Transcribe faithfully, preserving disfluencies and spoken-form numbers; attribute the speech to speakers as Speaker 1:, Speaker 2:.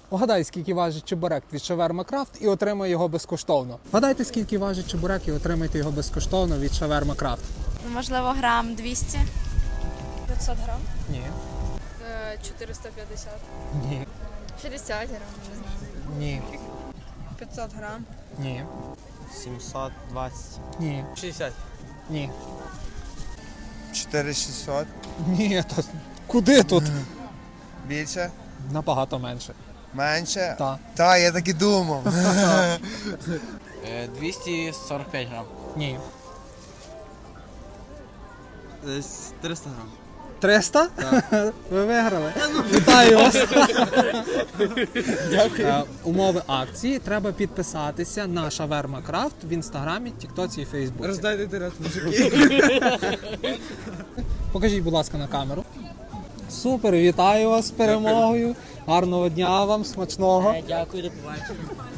Speaker 1: Угадай, скільки важить чебурек від Шаверма Крафт і отримай його безкоштовно. Вгадайте, скільки важить чебурек і отримайте його безкоштовно від Шаверма Крафт.
Speaker 2: Можливо, грам двісті.
Speaker 3: п'ятсот грам.
Speaker 1: Ні.
Speaker 3: чотириста п'ятдесят.
Speaker 1: Ні.
Speaker 3: шістдесят грам, не знаю.
Speaker 1: Ні.
Speaker 3: п'ятсот грам.
Speaker 1: Ні.
Speaker 4: сімсот двадцять.
Speaker 1: Ні.
Speaker 4: шістдесят.
Speaker 1: Ні.
Speaker 5: чотири тисячі шістсот.
Speaker 1: Ні, то куди тут?
Speaker 5: Більше?
Speaker 1: Набагато менше.
Speaker 5: Менше?
Speaker 1: Так.
Speaker 5: Так, я так і думав.
Speaker 4: двісті сорок п'ять грам.
Speaker 1: Ні.
Speaker 4: Десь триста грам.
Speaker 1: триста? Ви виграли. Вітаю вас. Дякую. Умови акції. Треба підписатися на Шаверма Крафт в інстаграмі, тіктоці і фейсбуці.
Speaker 4: Роздайте тирет, мужики.
Speaker 1: Покажіть, будь ласка, на камеру. Супер, вітаю вас з перемогою. Гарного дня вам, смачного.
Speaker 4: Дякую, до побачення.